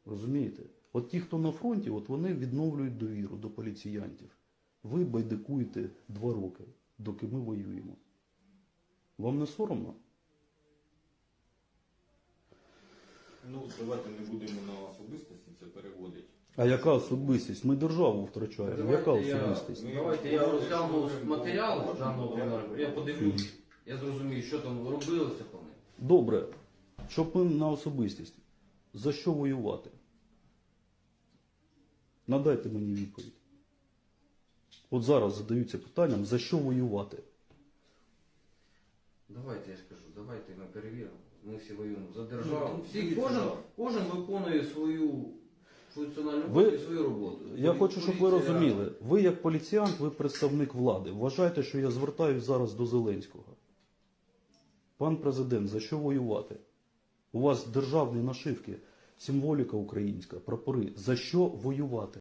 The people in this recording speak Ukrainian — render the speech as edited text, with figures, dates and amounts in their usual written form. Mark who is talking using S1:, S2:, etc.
S1: Розумієте? От ті, хто на фронті, от вони відновлюють довіру до поліціянтів. Ви байдикуєте 2 роки, доки ми воюємо. Вам не соромно?
S2: Ну, давайте не будемо на особистості це переводити.
S1: А яка особистість? Ми державу втрачаємо. Яка
S3: Давайте
S1: особистість?
S3: Давайте я розгляну матеріал даного кримінального, я подивлюсь, я зрозумію, що там робилося по ним.
S1: Добре, щоб ми на особистість. За що воювати? Надайте мені відповідь. От зараз задаються питанням, за що воювати?
S3: Давайте, я ж кажу, давайте ми перевіримо. Ми всі воюємо за державу.
S2: Ну,
S3: Всі,
S2: дивіться,
S3: кожен виконує свою функціональну
S1: Ви-
S3: роботу і свою роботу.
S1: Я хочу, щоб ви
S3: Поліція-
S1: розуміли. Ви як поліціянт, ви представник влади. Вважайте, що я звертаюсь зараз до Зеленського. Пан президент, за що воювати? У вас державні нашивки, символіка українська, прапори. За що воювати?